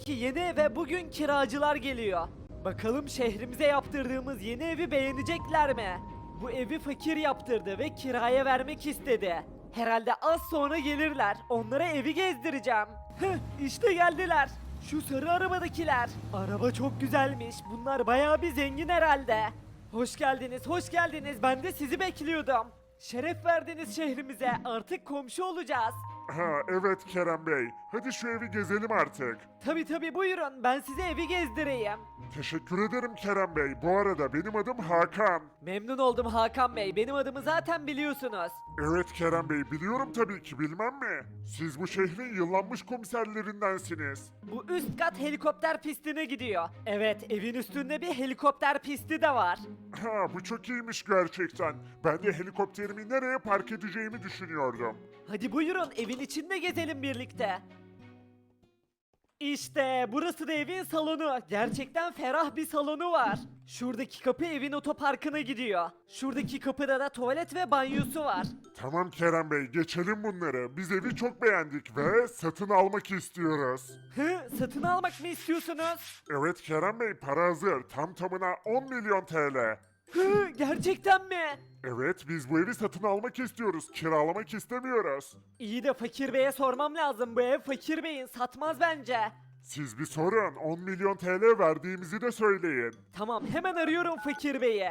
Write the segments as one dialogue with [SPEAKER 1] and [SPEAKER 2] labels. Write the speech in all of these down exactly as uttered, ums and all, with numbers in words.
[SPEAKER 1] ki yeni eve bugün kiracılar geliyor. Bakalım şehrimize yaptırdığımız yeni evi beğenecekler mi? Bu evi fakir yaptırdı ve kiraya vermek istedi. Herhalde az sonra gelirler. Onlara evi gezdireceğim. Hıh, işte geldiler. Şu sarı arabadakiler. Araba çok güzelmiş. Bunlar bayağı bir zengin herhalde. Hoş geldiniz, hoş geldiniz. Ben de sizi bekliyordum. Şeref verdiniz şehrimize. Artık komşu olacağız.
[SPEAKER 2] Ha evet Kerem Bey. Hadi şu evi gezelim artık.
[SPEAKER 1] Tabi tabi buyurun. Ben size evi gezdireyim.
[SPEAKER 2] Teşekkür ederim Kerem Bey. Bu arada benim adım Hakan.
[SPEAKER 1] Memnun oldum Hakan Bey. Benim adımı zaten biliyorsunuz.
[SPEAKER 2] Evet Kerem Bey biliyorum tabii ki bilmem mi? Siz bu şehrin yıllanmış komiserlerindensiniz.
[SPEAKER 1] Bu üst kat helikopter pistine gidiyor. Evet, evin üstünde bir helikopter pisti de var.
[SPEAKER 2] Ha bu çok iyiymiş gerçekten. Ben de helikopterimi nereye park edeceğimi düşünüyordum.
[SPEAKER 1] Hadi buyurun, evin içinde gezelim birlikte. İşte burası da evin salonu. Gerçekten ferah bir salonu var. Şuradaki kapı evin otoparkına gidiyor. Şuradaki kapıda da tuvalet ve banyosu var.
[SPEAKER 2] Tamam Kerem Bey geçelim bunları. Biz evi çok beğendik ve satın almak istiyoruz.
[SPEAKER 1] Hı, satın almak mı istiyorsunuz?
[SPEAKER 2] Evet Kerem Bey para hazır. Tam tamına on milyon T L.
[SPEAKER 1] Hı, gerçekten mi?
[SPEAKER 2] Evet biz bu evi satın almak istiyoruz. Kiralamak istemiyoruz.
[SPEAKER 1] İyi de Fakir Bey'e sormam lazım. Bu ev Fakir Bey'in, satmaz bence.
[SPEAKER 2] Siz bir sorun. on milyon T L verdiğimizi de söyleyin.
[SPEAKER 1] Tamam, hemen arıyorum Fakir Bey'i.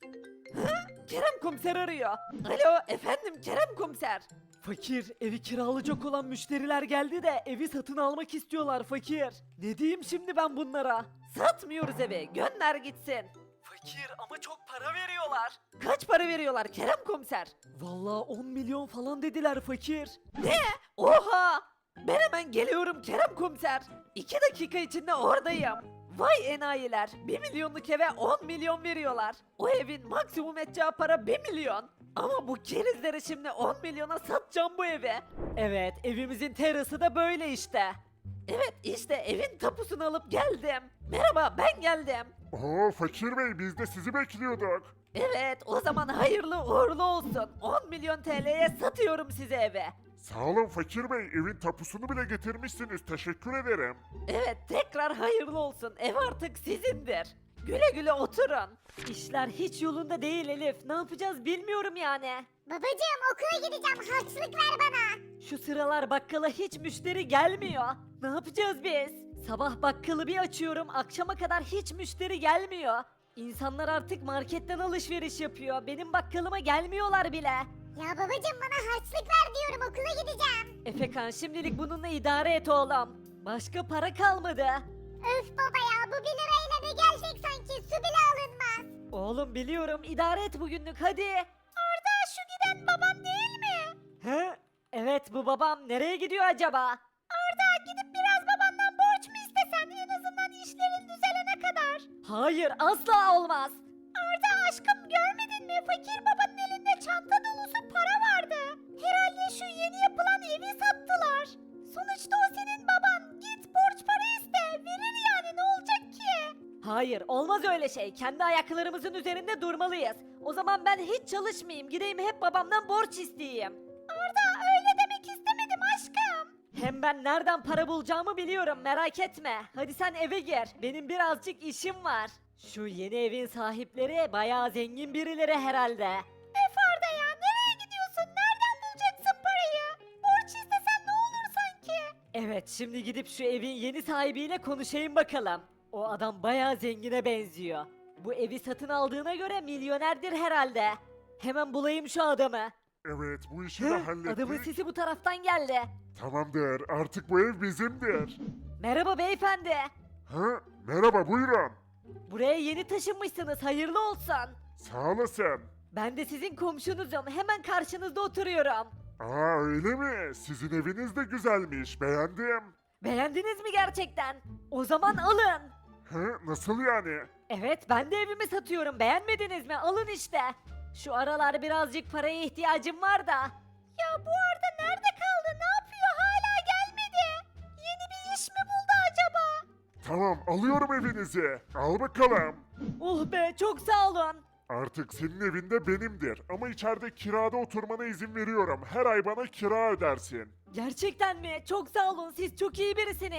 [SPEAKER 1] Hı? Kerem Komiser arıyor. Alo, efendim Kerem Komiser. Fakir, evi kiralayacak olan müşteriler geldi de evi satın almak istiyorlar Fakir. Ne diyeyim şimdi ben bunlara? Satmıyoruz evi, gönder gitsin. Fakir ama çok para veriyorlar. Kaç para veriyorlar Kerem Komiser? Vallahi on milyon falan dediler Fakir. Ne? Oha! Ben hemen geliyorum Kerem Komiser. iki dakika içinde oradayım. Vay enayiler, bir milyonluk eve on milyon veriyorlar. O evin maksimum edeceği para bir milyon. Ama bu kerizlere şimdi on milyona satacağım bu evi. Evet, evimizin terası da böyle işte. Evet, işte evin tapusunu alıp geldim. Merhaba, ben geldim.
[SPEAKER 2] Oo Fakir Bey biz de sizi bekliyorduk.
[SPEAKER 1] Evet, o zaman hayırlı uğurlu olsun. on milyon T L'ye satıyorum size evi.
[SPEAKER 2] Sağ olun Fakir Bey evin tapusunu bile getirmişsiniz. Teşekkür ederim.
[SPEAKER 1] Evet, tekrar hayırlı olsun. Ev artık sizindir. Güle güle oturun. İşler hiç yolunda değil Elif. Ne yapacağız bilmiyorum yani.
[SPEAKER 3] Babacığım okula gideceğim harçlık ver bana.
[SPEAKER 1] Şu sıralar bakkala hiç müşteri gelmiyor. Ne yapacağız biz? Sabah bakkalı bir açıyorum, akşama kadar hiç müşteri gelmiyor. İnsanlar artık marketten alışveriş yapıyor. Benim bakkalıma gelmiyorlar bile.
[SPEAKER 3] Ya babacığım bana harçlık ver diyorum okula gideceğim.
[SPEAKER 1] Efekan, şimdilik bununla idare et oğlum. Başka para kalmadı.
[SPEAKER 3] Öf baba ya bu bir lirayla ne gelecek sanki su bile alınmaz.
[SPEAKER 1] Oğlum biliyorum, idare et bugünlük hadi.
[SPEAKER 3] Arda şu giden baban değil mi?
[SPEAKER 1] He? Evet, bu babam. Nereye gidiyor acaba?
[SPEAKER 3] Arda gidip biraz babandan borç mu istesen en azından işlerin düzelene kadar.
[SPEAKER 1] Hayır, asla olmaz.
[SPEAKER 3] Arda aşkım görmedin mi fakir babanın elinde çanta dolusu para vardı. Herhalde şu yeni yapılan evi sattılar. Sonuçta o senin baban. Git borç para iste. Verir yani ne olacak ki?
[SPEAKER 1] Hayır, olmaz öyle şey. Kendi ayaklarımızın üzerinde durmalıyız. O zaman ben hiç çalışmayayım. Gideyim hep babamdan borç isteyeyim.
[SPEAKER 3] Arda öyle demek istemedim aşkım.
[SPEAKER 1] Hem ben nereden para bulacağımı biliyorum, merak etme. Hadi sen eve gir. Benim birazcık işim var. Şu yeni evin sahipleri bayağı zengin birileri herhalde.
[SPEAKER 3] Öf Arda ya nereye gidiyorsun? Nereden bulacaksın parayı? Borç istesen ne olur sanki?
[SPEAKER 1] Evet, şimdi gidip şu evin yeni sahibiyle konuşayım bakalım. O adam bayağı zengine benziyor. Bu evi satın aldığına göre milyonerdir herhalde. Hemen bulayım şu adamı.
[SPEAKER 2] Evet bu işi de
[SPEAKER 1] Hı,
[SPEAKER 2] hallettik.
[SPEAKER 1] adamın sesi bu taraftan geldi.
[SPEAKER 2] Tamamdır artık bu ev bizimdir.
[SPEAKER 1] Merhaba beyefendi.
[SPEAKER 2] Ha merhaba buyurun.
[SPEAKER 1] Buraya yeni taşınmışsınız, hayırlı olsun.
[SPEAKER 2] Sağ olasın.
[SPEAKER 1] Ben de sizin komşunuzum, hemen karşınızda oturuyorum.
[SPEAKER 2] Aa öyle mi? Sizin eviniz de güzelmiş beğendim.
[SPEAKER 1] Beğendiniz mi gerçekten? O zaman alın.
[SPEAKER 2] Hı nasıl yani?
[SPEAKER 1] Evet, ben de evimi satıyorum, beğenmediniz mi? Alın işte. Şu aralar birazcık paraya ihtiyacım var da.
[SPEAKER 3] Ya bu Arda nerede kaldı? Ne yapıyor? Hala gelmedi. Yeni bir iş mi buldu acaba?
[SPEAKER 2] Tamam alıyorum evinizi. Al bakalım.
[SPEAKER 1] Oh be, çok sağ olun.
[SPEAKER 2] Artık senin evinde benimdir ama içeride kirada oturmana izin veriyorum. Her ay bana kira ödersin.
[SPEAKER 1] Gerçekten mi? Çok sağ olun, siz çok iyi birisiniz.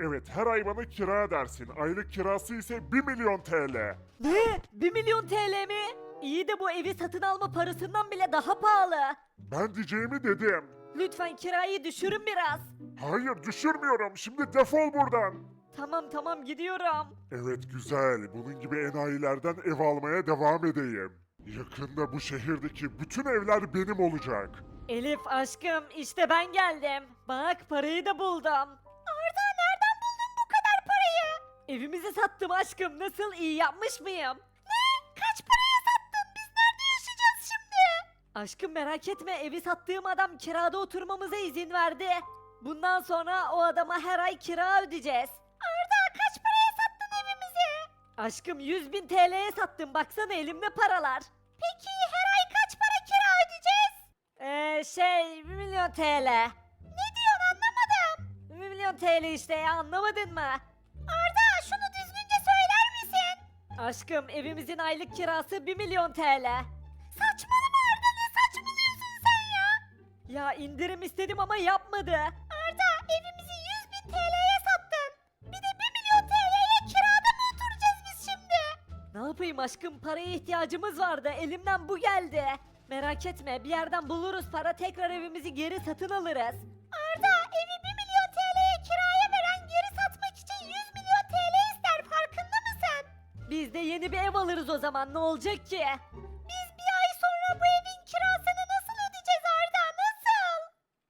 [SPEAKER 2] Evet, her ay bana kira dersin. Aylık kirası ise bir milyon T L.
[SPEAKER 1] Ne? bir milyon T L mi? İyi de bu evi satın alma parasından bile daha pahalı.
[SPEAKER 2] Ben diyeceğimi dedim.
[SPEAKER 1] Lütfen kirayı düşürün biraz.
[SPEAKER 2] Hayır, düşürmüyorum. Şimdi defol buradan.
[SPEAKER 1] Tamam tamam gidiyorum.
[SPEAKER 2] Evet, güzel. Bunun gibi enayilerden ev almaya devam edeyim. Yakında bu şehirdeki bütün evler benim olacak.
[SPEAKER 1] Elif aşkım işte ben geldim. Bak parayı da buldum.
[SPEAKER 3] Arda nereden buldun bu kadar parayı?
[SPEAKER 1] Evimizi sattım aşkım. Nasıl, iyi yapmış mıyım?
[SPEAKER 3] Ne? Kaç paraya sattın? Biz nerede yaşayacağız şimdi?
[SPEAKER 1] Aşkım merak etme, evi sattığım adam kirada oturmamıza izin verdi. Bundan sonra o adama her ay kira ödeyeceğiz.
[SPEAKER 3] Arda kaç paraya sattın evimizi?
[SPEAKER 1] Aşkım yüz bin T L'ye sattım, baksana elimde paralar.
[SPEAKER 3] Peki her ay kaç para kira ödeyeceğiz?
[SPEAKER 1] Eee şey bir milyon T L.
[SPEAKER 3] Ne diyorsun anlamadım.
[SPEAKER 1] bir milyon T L işte ya, anlamadın mı?
[SPEAKER 3] Arda şunu düzgünce söyler misin?
[SPEAKER 1] Aşkım evimizin aylık kirası bir milyon T L.
[SPEAKER 3] Saçmalama Arda ne saçmalıyorsun sen ya?
[SPEAKER 1] Ya indirim istedim ama yapmadı.
[SPEAKER 3] Arda evimizi yüz bin T L'ye sattın. Bir de bir milyon T L'ye kirada mı oturacağız biz şimdi?
[SPEAKER 1] Ne yapayım aşkım, paraya ihtiyacımız vardı, elimden bu geldi. Merak etme, bir yerden buluruz para, tekrar evimizi geri satın alırız.
[SPEAKER 3] Arda evi bir milyon T L'ye kiraya veren geri satmak için yüz milyon T L ister farkında mısın?
[SPEAKER 1] Biz de yeni bir ev alırız o zaman, ne olacak ki?
[SPEAKER 3] Biz bir ay sonra bu evin kirasını nasıl ödeyeceğiz Arda nasıl?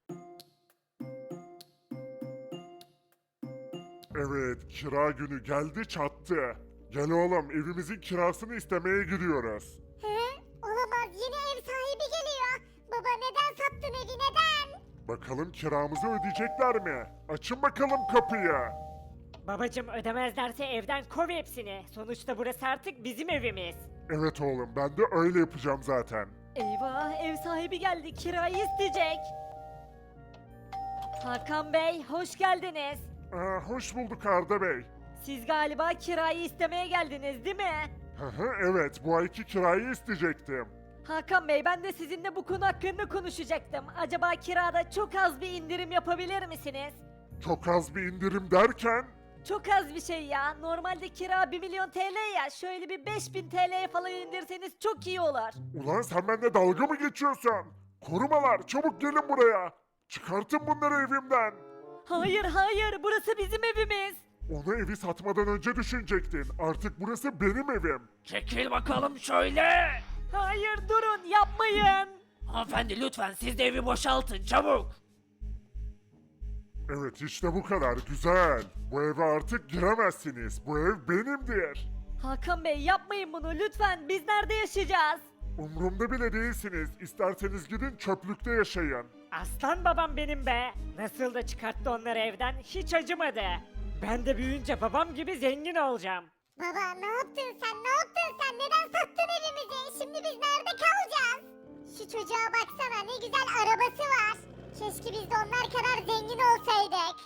[SPEAKER 2] Evet, kira günü geldi çattı. Gel oğlum, evimizin kirasını istemeye gidiyoruz.
[SPEAKER 3] He? Olamaz yine ev sahibi geliyor. Baba neden sattın evi neden?
[SPEAKER 2] Bakalım kiramızı ödeyecekler mi? Açın bakalım kapıyı.
[SPEAKER 1] Babacım ödemezlerse evden kov hepsini. Sonuçta burası artık bizim evimiz.
[SPEAKER 2] Evet oğlum, ben de öyle yapacağım zaten.
[SPEAKER 1] Eyvah, ev sahibi geldi, kirayı isteyecek. Hakan Bey, hoş geldiniz.
[SPEAKER 2] Aa, hoş bulduk Arda Bey.
[SPEAKER 1] Siz galiba kirayı istemeye geldiniz değil mi?
[SPEAKER 2] Hı hı, evet, bu ayki kirayı isteyecektim.
[SPEAKER 1] Hakan Bey, ben de sizinle bu konu hakkında konuşacaktım. Acaba kirada çok az bir indirim yapabilir misiniz?
[SPEAKER 2] Çok az bir indirim derken...
[SPEAKER 1] Çok az bir şey ya. Normalde kira bir milyon T L ya. Şöyle bir beş bin T L'ye falan indirseniz çok iyi olur.
[SPEAKER 2] Ulan sen benimle dalga mı geçiyorsun? Korumalar, çabuk gelin buraya. Çıkartın bunları evimden.
[SPEAKER 1] Hayır hayır, burası bizim evimiz.
[SPEAKER 2] Onu evi satmadan önce düşünecektin. Artık burası benim evim.
[SPEAKER 4] Çekil bakalım şöyle.
[SPEAKER 1] Hayır durun, yapmayın.
[SPEAKER 4] Hanımefendi lütfen siz de evi boşaltın çabuk.
[SPEAKER 2] Evet, işte bu kadar. Güzel. Bu eve artık giremezsiniz. Bu ev benimdir.
[SPEAKER 1] Hakan Bey yapmayın bunu lütfen. Biz nerede yaşayacağız?
[SPEAKER 2] Umrumda bile değilsiniz. İsterseniz gidin çöplükte yaşayın.
[SPEAKER 1] Aslan babam benim be. Nasıl da çıkarttı onları evden, hiç acımadı. Ben de büyüyünce babam gibi zengin olacağım.
[SPEAKER 3] Baba ne yaptın sen ne yaptın sen neden sattın evimizi? Şimdi biz nerede kalacağız? Şu çocuğa baksana ne güzel arabası var. Keşke biz de onlar kadar zengin olsaydık.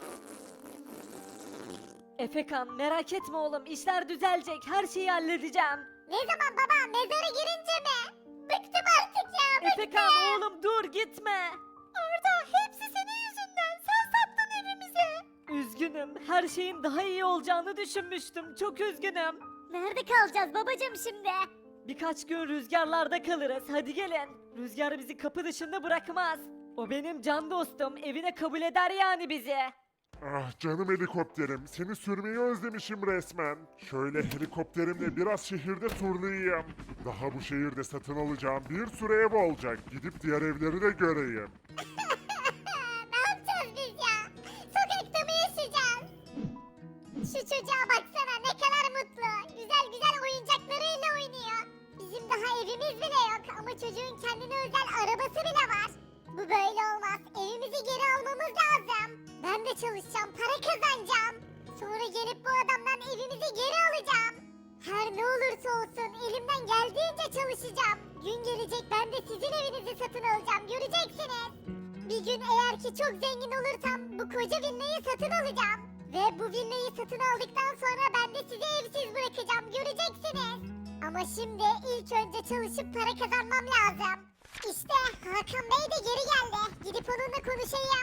[SPEAKER 1] Efekan merak etme oğlum, işler düzelecek, her şeyi halledeceğim.
[SPEAKER 3] Ne zaman baba mezara girince mi? Bıktım artık ya bıktım.
[SPEAKER 1] Efekan oğlum dur, gitme.
[SPEAKER 3] Arda hepsi senin yüzünden sen sattın evimizi.
[SPEAKER 1] Üzgünüm, her şeyin daha iyi olacağını düşünmüştüm, çok üzgünüm.
[SPEAKER 3] Nerede kalacağız babacığım şimdi?
[SPEAKER 1] Birkaç gün rüzgarlarda kalırız, hadi gelin. Rüzgar bizi kapı dışında bırakmaz. O benim can dostum, evine kabul eder yani bizi.
[SPEAKER 2] Ah canım helikopterim. Seni sürmeyi özlemişim resmen. Şöyle helikopterimle biraz şehirde turlayayım. Daha bu şehirde satın alacağım bir sürü ev olacak. Gidip diğer evleri de göreyim.
[SPEAKER 3] Ne yapacağız biz ya? Sokakta mı yaşayacağız? Şu çocuğa baksana ne kadar mutlu. Güzel güzel oyuncaklarıyla oynuyor. Bizim daha evimiz bile yok ama çocuğun kendine özel arabası bile var. Bu böyle olmaz. Evimizi geri almamız lazım. Ben de çalışacağım, para kazanacağım. Sonra gelip bu adamdan evimizi geri alacağım. Her ne olursa olsun elimden geldiğince çalışacağım. Gün gelecek ben de sizin evinizi satın alacağım. Göreceksiniz. Bir gün eğer ki çok zengin olursam bu koca villayı satın alacağım. Ve bu villayı satın aldıktan sonra ben de sizi evsiz bırakacağım. Göreceksiniz. Ama şimdi ilk önce çalışıp para kazanmam lazım. İşte Hakan Bey de geri geldi. Gidip onunla konuşayım.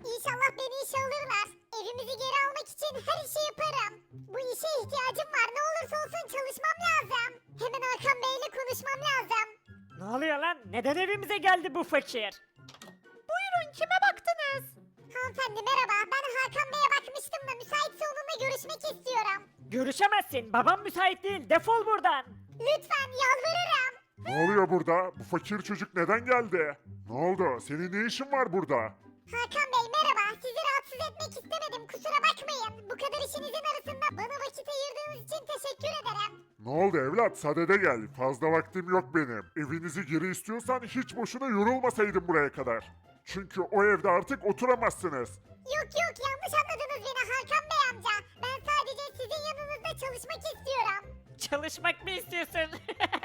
[SPEAKER 3] İnşallah beni işe alırlar. Evimizi geri almak için her işi yaparım. Bu işe ihtiyacım var. Ne olursa olsun çalışmam lazım. Hemen Hakan Bey'le konuşmam lazım.
[SPEAKER 1] Ne oluyor lan? Neden evimize geldi bu fakir?
[SPEAKER 3] Buyurun, kime baktınız? Hanımefendi merhaba. Ben Hakan Bey'e bakmıştım da müsaitse onunla görüşmek istiyorum.
[SPEAKER 1] Görüşemezsin. Babam müsait değil. Defol buradan.
[SPEAKER 3] Lütfen yalvarırım.
[SPEAKER 2] Ne oluyor burada? Bu fakir çocuk neden geldi? Ne oldu? Senin ne işin var burada?
[SPEAKER 3] Hakan Bey merhaba. Sizi rahatsız etmek istemedim. Kusura bakmayın. Bu kadar işinizin arasında bana vakit ayırdığınız için teşekkür ederim.
[SPEAKER 2] Ne oldu evlat? Sadede gel. Fazla vaktim yok benim. Evinizi geri istiyorsan hiç boşuna yorulmasaydın buraya kadar. Çünkü o evde artık oturamazsınız.
[SPEAKER 3] Yok yok, yanlış anladınız beni Hakan Bey amca. Ben sadece sizin yanınızda çalışmak istiyorum.
[SPEAKER 1] Çalışmak mı istiyorsun?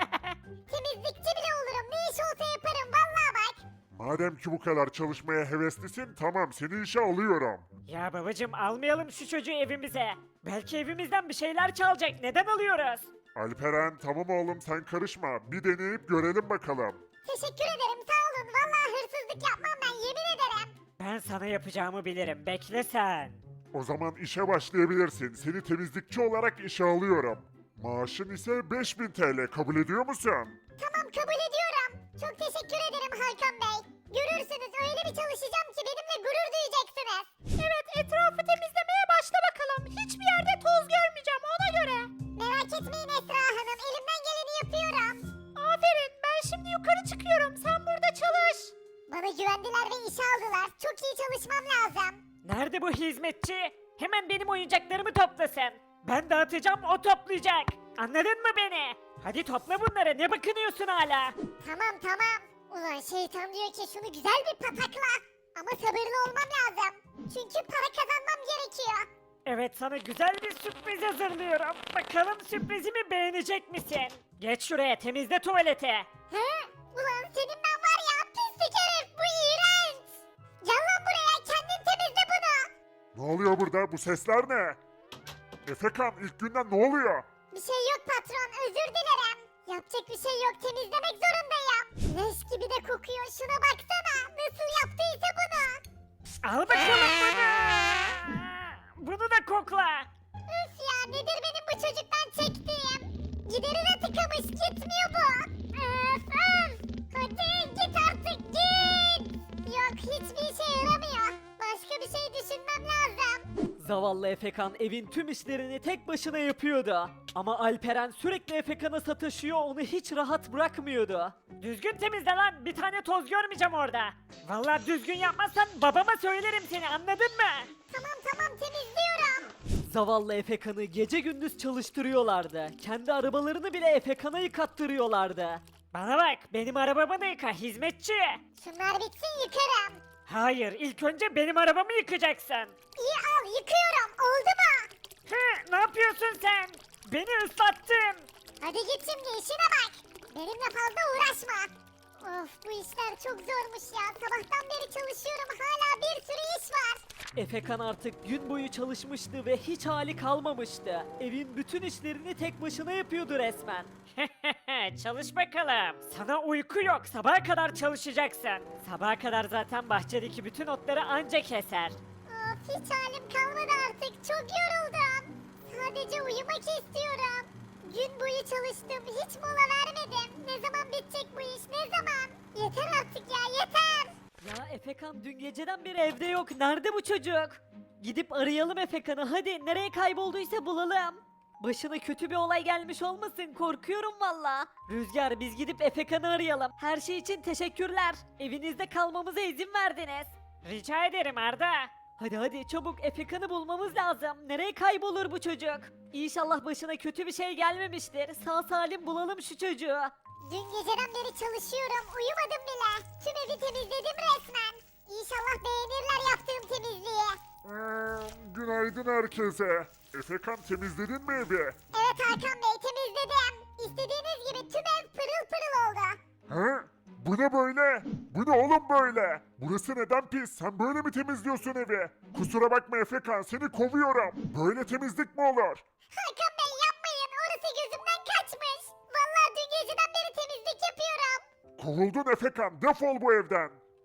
[SPEAKER 3] Temizlikçi bile olurum. Ne iş olsa yaparım vallahi bak.
[SPEAKER 2] Madem ki bu kadar çalışmaya heveslisin, tamam seni işe alıyorum.
[SPEAKER 1] Ya babacım almayalım şu çocuğu evimize. Belki evimizden bir şeyler çalacak. Neden alıyoruz?
[SPEAKER 2] Alperen, tamam oğlum sen karışma. Bir deneyip görelim bakalım.
[SPEAKER 3] Teşekkür ederim, sağ olun. Vallahi hırsızlık yapmam ben, yemin ederim.
[SPEAKER 1] Ben sana yapacağımı bilirim. Bekle sen.
[SPEAKER 2] O zaman işe başlayabilirsin. Seni temizlikçi olarak işe alıyorum. Maaşın ise beş bin T L. Kabul ediyor musun?
[SPEAKER 3] Tamam, kabul ediyorum. Çok teşekkür ederim Hakan Bey. Görürsünüz, öyle bir çalışacağım ki benimle gurur duyacaksınız. Evet, etrafı temizlemeye başla bakalım. Hiçbir yerde toz görmeyeceğim, ona göre. Merak etmeyin Esra Hanım, elimden geleni yapıyorum. Aferin, ben şimdi yukarı çıkıyorum. Sen burada çalış. Bana güvendiler ve işe aldılar. Çok iyi çalışmam lazım.
[SPEAKER 1] Nerede bu hizmetçi? Hemen benim oyuncaklarımı toplasın. Ben dağıtacağım, o toplayacak. Anladın mı beni? Hadi topla bunları. Ne bakınıyorsun hala?
[SPEAKER 3] Tamam tamam. Ulan şeytan diyor ki şunu güzel bir patakla. Ama sabırlı olmam lazım. Çünkü para kazanmam gerekiyor.
[SPEAKER 1] Evet, sana güzel bir sürpriz hazırlıyorum. Bakalım sürprizimi beğenecek misin? Geç şuraya, temizle tuvaleti.
[SPEAKER 3] He? Ulan senin ben var ya, pislik herif, bu iğrenç. Gel lan buraya, kendin temizle bunu.
[SPEAKER 2] Ne oluyor burada? Bu sesler ne? Efekan, ilk günden ne oluyor?
[SPEAKER 3] Bir şey yok patron, özür dilerim. Yapacak bir şey yok, temizlemek zorundayım. Leş gibi de kokuyor, şuna baksana. Nasıl yaptıysa bunu.
[SPEAKER 1] Al bakalım bunu. Bunu da kokla.
[SPEAKER 3] Üf ya, nedir benim bu çocuktan çektiğim? Giderine tıkamış, gitmiyor bu. Öf öf. Hadi git artık, git. Yok, hiçbir işe yaramıyor. Başka bir şey düşünmem lazım.
[SPEAKER 1] Zavallı Efekan evin tüm işlerini tek başına yapıyordu. Ama Alperen sürekli Efekan'a sataşıyor, onu hiç rahat bırakmıyordu. Düzgün temizle lan, bir tane toz görmeyeceğim orada. Vallahi düzgün yapmazsan babama söylerim seni, anladın mı?
[SPEAKER 3] Tamam tamam, temizliyorum.
[SPEAKER 1] Zavallı Efekan'ı gece gündüz çalıştırıyorlardı. Kendi arabalarını bile Efekan'a yıkattırıyorlardı. Bana bak, benim arabamı da yıka hizmetçi.
[SPEAKER 3] Şunlar bitsin, yıkarım.
[SPEAKER 1] Hayır, ilk önce benim arabamı yıkacaksın.
[SPEAKER 3] İyi al, yıkıyorum. Oldu mu?
[SPEAKER 1] Hı, ne yapıyorsun sen? Beni ıslattın.
[SPEAKER 3] Hadi git şimdi, işine bak. Benimle fazla uğraşma. Of, bu işler çok zormuş ya. Sabahtan beri çalışıyorum, hala bir sürü iş var.
[SPEAKER 1] Efekan artık gün boyu çalışmıştı ve hiç hali kalmamıştı. Evin bütün işlerini tek başına yapıyordu resmen. Çalış bakalım. Sana uyku yok. Sabaha kadar çalışacaksın. Sabaha kadar zaten bahçedeki bütün otları anca keser.
[SPEAKER 3] Of, hiç halim kalmadı artık. Çok yoruldum. Sadece uyumak istiyorum. Gün boyu çalıştım, hiç mola vermedim. Ne zaman bitecek bu iş, ne zaman? Yeter artık ya, yeter.
[SPEAKER 1] Ya Efekan dün geceden beri evde yok. Nerede bu çocuk? Gidip arayalım Efekan'ı. Hadi, nereye kaybolduysa bulalım. Başına kötü bir olay gelmiş olmasın, korkuyorum valla. Rüzgar, biz gidip Efekan'ı arayalım. Her şey için teşekkürler. Evinizde kalmamıza izin verdiniz. Rica ederim Arda. Hadi hadi çabuk, Efekan'ı bulmamız lazım. Nereye kaybolur bu çocuk? İnşallah başına kötü bir şey gelmemiştir. Sağ salim bulalım şu çocuğu.
[SPEAKER 3] Dün geceden beri çalışıyorum, uyumadım bile. Tüm evi temizledim resmen. İnşallah beğenirler yaptığım temizliği.
[SPEAKER 2] Hmm, günaydın herkese. Efekan, temizledin mi evi?
[SPEAKER 3] Evet Hakan Bey, temizledim. İstediğiniz gibi tüm ev pırıl pırıl oldu.
[SPEAKER 2] He? Bu ne böyle? Bu ne oğlum böyle? Burası neden pis? Sen böyle mi temizliyorsun evi? Kusura bakma Efekan, seni kovuyorum. Böyle temizlik mi olur?
[SPEAKER 3] Hakan Bey yapmayın, orası gözümden kaçmış. Vallahi dün geceden beri temizlik yapıyorum.
[SPEAKER 2] Kovuldun Efekan, defol bu evden.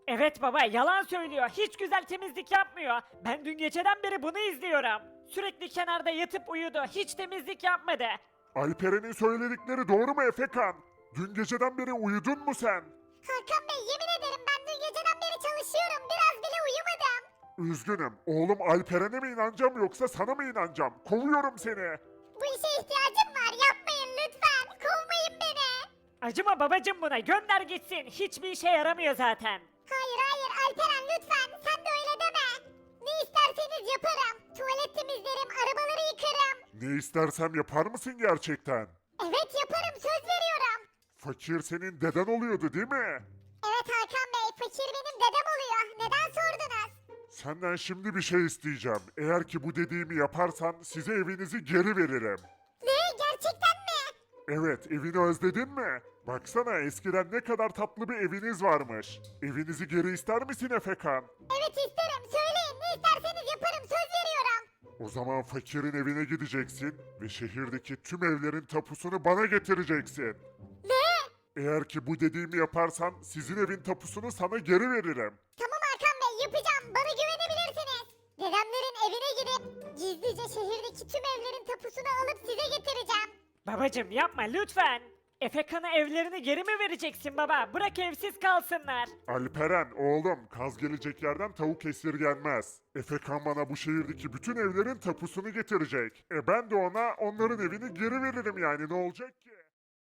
[SPEAKER 1] Evet baba yalan söylüyor. Hiç güzel temizlik yapmıyor. Ben dün geceden beri bunu izliyorum. Sürekli kenarda yatıp uyudu. Hiç temizlik yapmadı.
[SPEAKER 2] Alperen'in söyledikleri doğru mu Efekan? Dün geceden beri uyudun mu sen?
[SPEAKER 3] Hakan Bey yemin ederim ben dün geceden beri çalışıyorum. Biraz bile uyumadım.
[SPEAKER 2] Üzgünüm. Oğlum Alperen'e mi inanacağım yoksa sana mı inanacağım? Kovuyorum seni.
[SPEAKER 3] Bu işe ihtiyacım var. Yapmayın lütfen. Kovmayın beni.
[SPEAKER 1] Acıma babacım buna. Gönder gitsin. Hiçbir işe yaramıyor zaten.
[SPEAKER 3] Hayır hayır Alperen lütfen. Sen de öyle deme. Ne isterseniz yaparım. Tuvalet temizlerim, arabaları yıkarım.
[SPEAKER 2] Ne istersem yapar mısın gerçekten?
[SPEAKER 3] Evet yaparım söz veriyorum.
[SPEAKER 2] Fakir senin deden oluyordu değil mi?
[SPEAKER 3] Evet Hakan Bey fakir benim dedem oluyor. Neden sordunuz?
[SPEAKER 2] Senden şimdi bir şey isteyeceğim. Eğer ki bu dediğimi yaparsan size evinizi geri veririm.
[SPEAKER 3] Ne gerçekten mi?
[SPEAKER 2] Evet, evini özledin mi? Baksana eskiden ne kadar tatlı bir eviniz varmış. Evinizi geri ister misin Efekan?
[SPEAKER 3] Evet isterim söyleyin ne isterseniz yaparım söz veriyorum.
[SPEAKER 2] O zaman fakirin evine gideceksin ve şehirdeki tüm evlerin tapusunu bana getireceksin.
[SPEAKER 3] Ne?
[SPEAKER 2] Eğer ki bu dediğimi yaparsan sizin evin tapusunu sana geri veririm.
[SPEAKER 3] Tamam Hakan Bey yapacağım bana güvenebilirsiniz. Dedemlerin evine gidip gizlice şehirdeki tüm evlerin tapusunu alıp size getireceğim.
[SPEAKER 1] Babacım yapma lütfen. Efekan'a evlerini geri mi vereceksin baba? Bırak evsiz kalsınlar.
[SPEAKER 2] Alperen oğlum kaz gelecek yerden tavuk esirgenmez. Efekan bana bu şehirdeki bütün evlerin tapusunu getirecek. E ben de ona onların evini geri veririm yani ne olacak ki?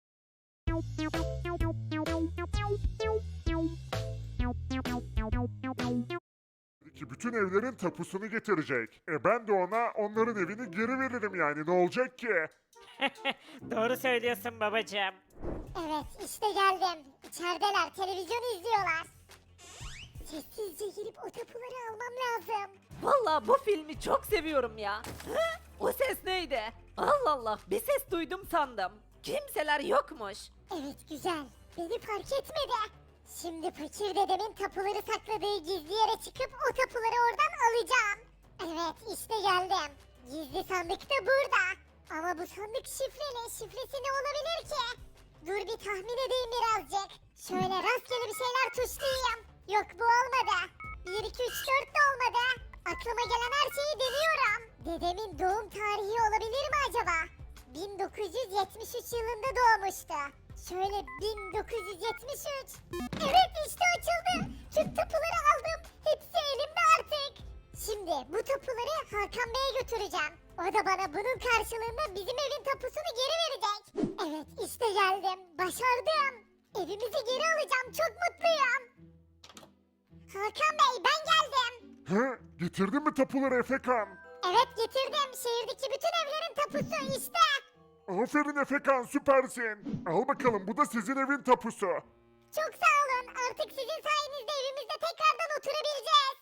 [SPEAKER 2] Ki bütün evlerin tapusunu getirecek. E ben de ona onların evini geri veririm yani ne olacak ki?
[SPEAKER 1] Doğru söylüyorsun babacım.
[SPEAKER 3] Evet işte geldim. İçerideler televizyon izliyorlar. Sessizce girip o tapuları almam lazım.
[SPEAKER 1] Vallahi bu filmi çok seviyorum ya. Hı? O ses neydi? Allah Allah bir ses duydum sandım. Kimseler yokmuş.
[SPEAKER 3] Evet güzel. Beni fark etmedi. Şimdi fakir dedemin tapuları sakladığı gizli yere çıkıp o tapuları oradan alacağım. Evet işte geldim. Gizli sandık da burada. Ama bu sandık şifreli. Şifresi ne olabilir ki? Dur bir tahmin edeyim birazcık. Şöyle rastgele bir şeyler tuşlayayım. Yok bu olmadı. bir iki üç dört de olmadı. Aklıma gelen her şeyi deniyorum. Dedemin doğum tarihi olabilir mi acaba? bin dokuz yüz yetmiş üç yılında doğmuştu. Şöyle bin dokuz yüz yetmiş üç. Evet işte açıldı. Tüm tapuları aldım. Hepsi elimde artık. Şimdi bu tapuları Hakan Bey'e götüreceğim. O da bana bunun karşılığında bizim evin tapusunu geri verecek. Evet işte geldim. Başardım. Evimizi geri alacağım. Çok mutluyum. Hakan Bey ben geldim.
[SPEAKER 2] He? Getirdin mi tapuları Efekan?
[SPEAKER 3] Evet getirdim. Şehirdeki bütün evlerin tapusu işte.
[SPEAKER 2] Aferin Efekan süpersin. Al bakalım bu da sizin evin tapusu.
[SPEAKER 3] Çok sağ olun. Artık sizin sayenizde evimizde tekrardan oturabileceğiz.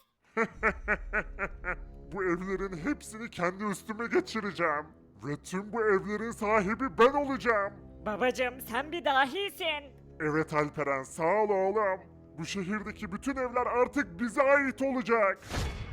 [SPEAKER 2] Bu evlerin hepsini kendi üstüme geçireceğim. Ve tüm bu evlerin sahibi ben olacağım.
[SPEAKER 1] Babacım sen bir dahisin.
[SPEAKER 2] Evet Alperen sağ ol oğlum. Bu şehirdeki bütün evler artık bize ait olacak.